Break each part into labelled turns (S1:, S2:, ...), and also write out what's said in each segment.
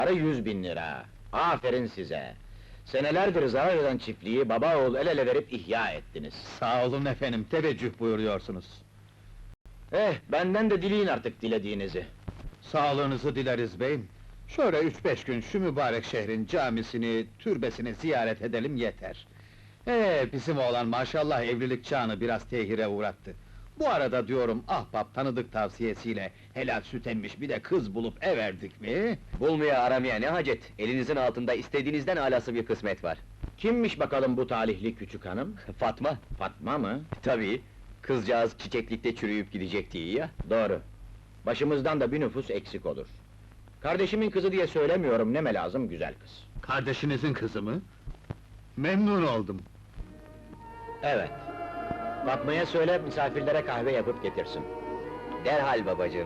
S1: 100.000 lira. Aferin size! Senelerdir zarar eden çiftliği baba oğul el ele verip ihya ettiniz.
S2: Sağ olun efendim, teveccüh buyuruyorsunuz.
S1: Benden de dileyin artık dilediğinizi.
S2: Sağlığınızı dileriz beyim. Şöyle 3-5 gün şu mübarek şehrin camisini, türbesini ziyaret edelim yeter. Bizim oğlan maşallah evlilik çağını biraz tehire uğrattı. Bu arada diyorum, ahbap tanıdık tavsiyesiyle helal süt emmiş bir de kız bulup everdik mi?
S3: Bulmaya aramaya ne hacet? Elinizin altında istediğinizden alası bir kısmet var.
S1: Kimmiş bakalım bu talihli küçük hanım?
S3: Fatma,
S1: Fatma mı?
S3: tabii. Kızcağız çiçeklikte çürüyüp gidecek diye ya.
S1: Doğru. Başımızdan da bir nüfus eksik olur. Kardeşimin kızı diye söylemiyorum, neme lazım güzel kız.
S2: Kardeşinizin kızı mı? Memnun oldum.
S1: Evet. Fatma'ya söyle, misafirlere kahve yapıp getirsin.
S3: Derhal babacığım.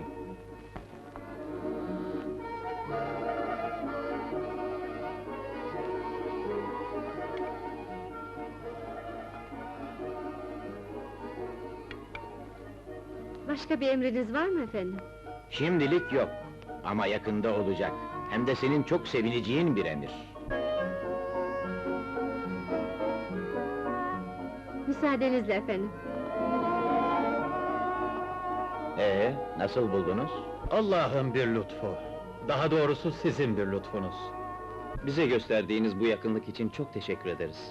S4: Başka bir emriniz var mı efendim?
S1: Şimdilik yok. Ama yakında olacak. Hem de senin çok sevineceğin bir emir.
S4: Müsaadenizle efendim.
S1: Nasıl buldunuz?
S2: Allah'ın bir lütfu. Daha doğrusu sizin bir lütfunuz.
S3: Bize gösterdiğiniz bu yakınlık için çok teşekkür ederiz.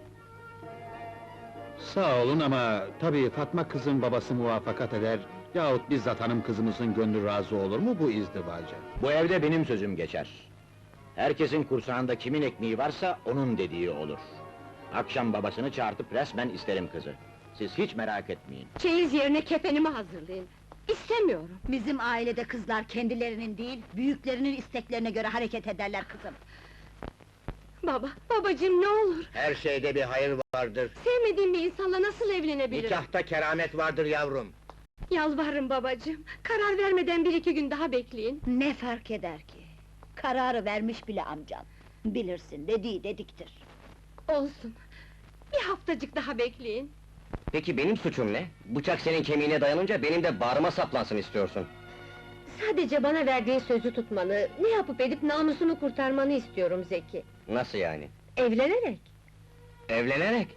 S2: Sağ olun ama tabii Fatma kızın babası muvaffakat eder yahut bizzat hanım kızımızın gönlü razı olur mu bu izdivaca?
S1: Bu evde benim sözüm geçer. Herkesin kursağında kimin ekmeği varsa onun dediği olur. Akşam babasını çağırtıp resmen isterim kızı. Siz hiç merak etmeyin.
S4: Çeyiz yerine kefenimi hazırlayın. İstemiyorum.
S5: Bizim ailede kızlar kendilerinin değil, büyüklerinin isteklerine göre hareket ederler kızım.
S4: Baba, babacığım ne olur!
S1: Her şeyde bir hayır vardır.
S4: Sevmediğim bir insanla nasıl evlenebilirim?
S1: Nikahta keramet vardır yavrum.
S4: Yalvarırım babacığım, karar vermeden 1-2 gün daha bekleyin.
S5: Ne fark eder ki? Kararı vermiş bile amcan. Bilirsin, dediği dediktir.
S4: Olsun, bir haftacık daha bekleyin.
S3: Peki benim suçum ne? Bıçak senin kemiğine dayanınca benim de bağrıma saplansın istiyorsun.
S4: Sadece bana verdiğin sözü tutmanı, ne yapıp edip namusunu kurtarmanı istiyorum Zeki.
S3: Nasıl yani?
S4: Evlenerek.
S3: Evlenerek?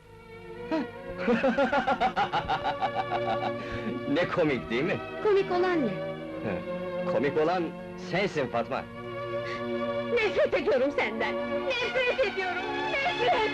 S3: Ne komik değil mi?
S4: Komik olan ne?
S3: Komik olan sensin Fatma.
S4: Nefret ediyorum senden! Nefret ediyorum! Nefret!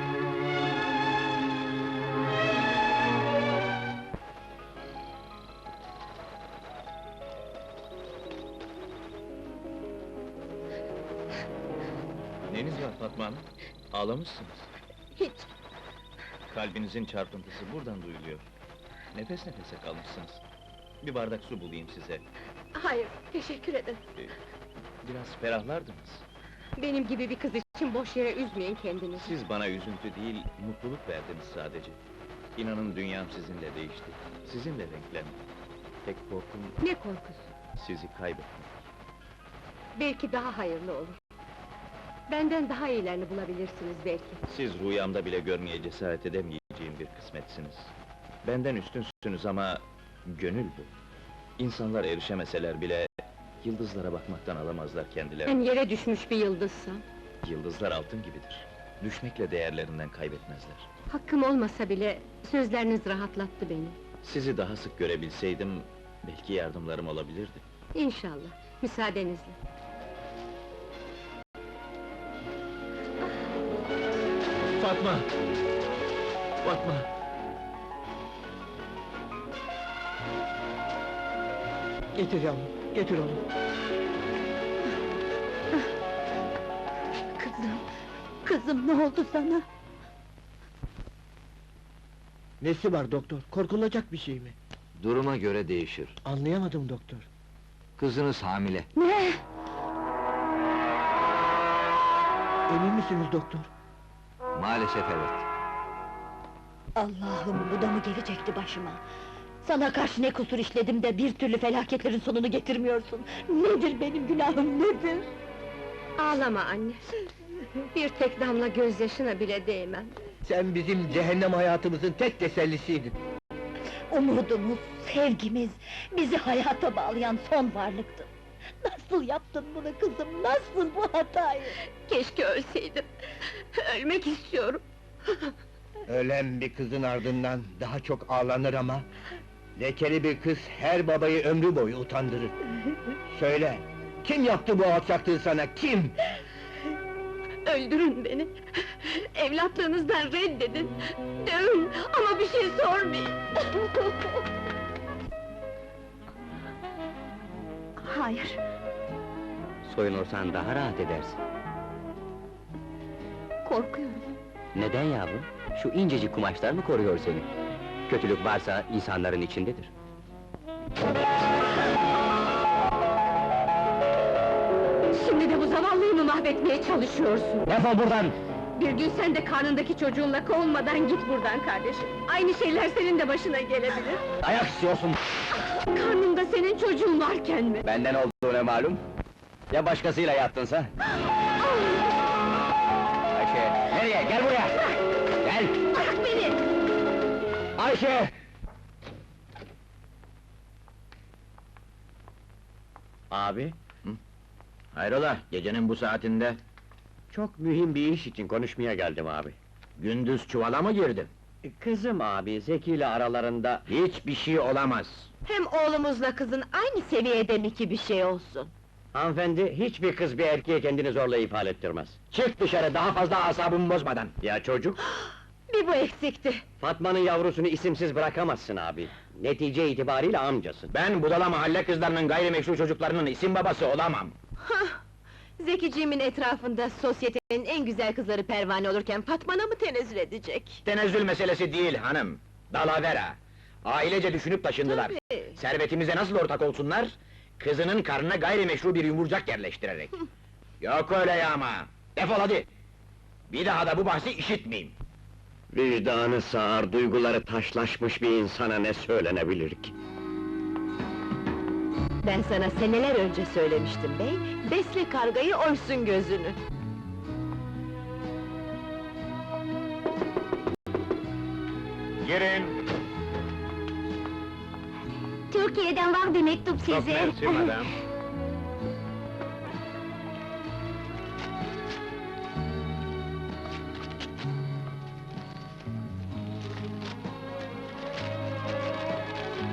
S6: Neniz var Fatma Hanım? Ağlamışsınız.
S4: Hiç!
S6: Kalbinizin çarpıntısı buradan duyuluyor. Nefes nefese kalmışsınız. Bir bardak su bulayım size.
S4: Hayır, teşekkür ederim.
S6: Biraz ferahlardınız.
S4: Benim gibi bir kız için boş yere üzmeyin kendinizi.
S6: Siz bana üzüntü değil, mutluluk verdiniz sadece. İnanın dünyam sizinle değişti. Sizinle renklendi. Tek korkum
S4: Ne korkusu?
S6: sizi kaybetmek.
S4: Belki daha hayırlı olur. Benden daha iyilerini bulabilirsiniz belki.
S6: Siz rüyamda bile görmeye cesaret edemeyeceğim bir kısmetsiniz. Benden üstünsünüz ama gönül bu. İnsanlar erişemeseler bile yıldızlara bakmaktan alamazlar kendilerini.
S4: Ben yere düşmüş bir yıldızsam,
S6: Yıldızlar altın gibidir. Düşmekle değerlerinden kaybetmezler.
S4: hakkım olmasa bile sözleriniz rahatlattı beni.
S6: Sizi daha sık görebilseydim, belki yardımlarım olabilirdi.
S4: İnşallah, müsaadenizle.
S6: Fatma! Fatma!
S7: Getir yavrum, getir onu.
S5: Kızım ne oldu sana?
S7: Nesi var doktor? Korkulacak bir şey mi?
S3: Duruma göre değişir.
S7: Anlayamadım doktor.
S3: Kızınız hamile.
S5: Ne?
S7: Emin misiniz doktor?
S3: Maalesef evet.
S5: Allah'ım, bu da mı gelecekti başıma? Sana karşı ne kusur işledim de bir türlü felaketlerin sonunu getirmiyorsun? Nedir benim günahım, nedir?
S4: Ağlama anne! Bir tek damla gözyaşına bile değmem.
S7: Sen bizim cehennem hayatımızın tek tesellisiydin.
S5: Umudumuz, sevgimiz, bizi hayata bağlayan son varlıktın. Nasıl yaptın bunu kızım, nasıl bu hatayı?
S4: Keşke ölseydim. Ölmek istiyorum.
S7: Ölen bir kızın ardından daha çok ağlanır ama... ...lekeli bir kız her babayı ömrü boyu utandırır. Söyle, kim yaptı bu alçaklığı sana, kim?
S4: Öldürün beni. Evlatlığınızdan reddedin. Dövün ama bir şey sormayın.
S5: Hayır,
S3: Soyunursan daha rahat edersin.
S4: Korkuyorum.
S3: Neden yavrum? Şu incecik kumaşlar mı koruyor seni? Kötülük varsa insanların içindedir.
S4: Şimdi de bu zavallıyı mı mahvetmeye çalışıyorsun?
S3: Defol buradan!
S4: Bir gün sen de karnındaki çocuğunla kovulmadan git buradan kardeşim. Aynı şeyler senin de başına gelebilir.
S3: Ayak istiyorsun!
S4: Karnında senin çocuğun varken mi?
S3: Benden olduğuna malum. Ya başkasıyla yattınsa? Ayşe, nereye? Gel buraya! Gel!
S4: Bırak beni!
S3: Ayşe! Abi,
S1: Hayrola, gecenin bu saatinde?
S3: çok mühim bir iş için konuşmaya geldim abi.
S1: Gündüz çuvala mı girdin?
S3: Kızım abi, Zeki ile aralarında...
S1: Hiçbir şey olamaz.
S5: hem oğlumuzla kızın aynı seviyede mi ki bir şey olsun?
S3: Hanımefendi, hiçbir kız bir erkeğe kendini zorla ifade ettirmez.
S1: Çık dışarı, daha fazla asabımı bozmadan!
S3: Ya çocuk?
S5: Bir bu eksikti.
S3: Fatma'nın yavrusunu isimsiz bırakamazsın abi. Netice itibariyle amcasın.
S1: Ben budala mahalle kızlarının gayrimeşru çocuklarının isim babası olamam!
S5: Zekiciğimin etrafında sosyetenin en güzel kızları pervane olurken Fatma'na mı tenezzül edecek?
S1: Tenezzül meselesi değil hanım, dalavera! Ailece düşünüp taşındılar.
S5: Tabii.
S1: Servetimize nasıl ortak olsunlar? Kızının karnına gayrimeşru bir yumurcak yerleştirerek. Yok öyle ya ama! Defol hadi! Bir daha da bu bahsi işitmeyeyim!
S3: Vicdanı sağır, duyguları taşlaşmış bir insana ne söylenebilir ki?
S5: Ben sana seneler önce söylemiştim bey, besle kargayı oysun gözünü.
S1: Girin!
S5: Türkiye'den var bir mektup
S1: Çok mersi madam.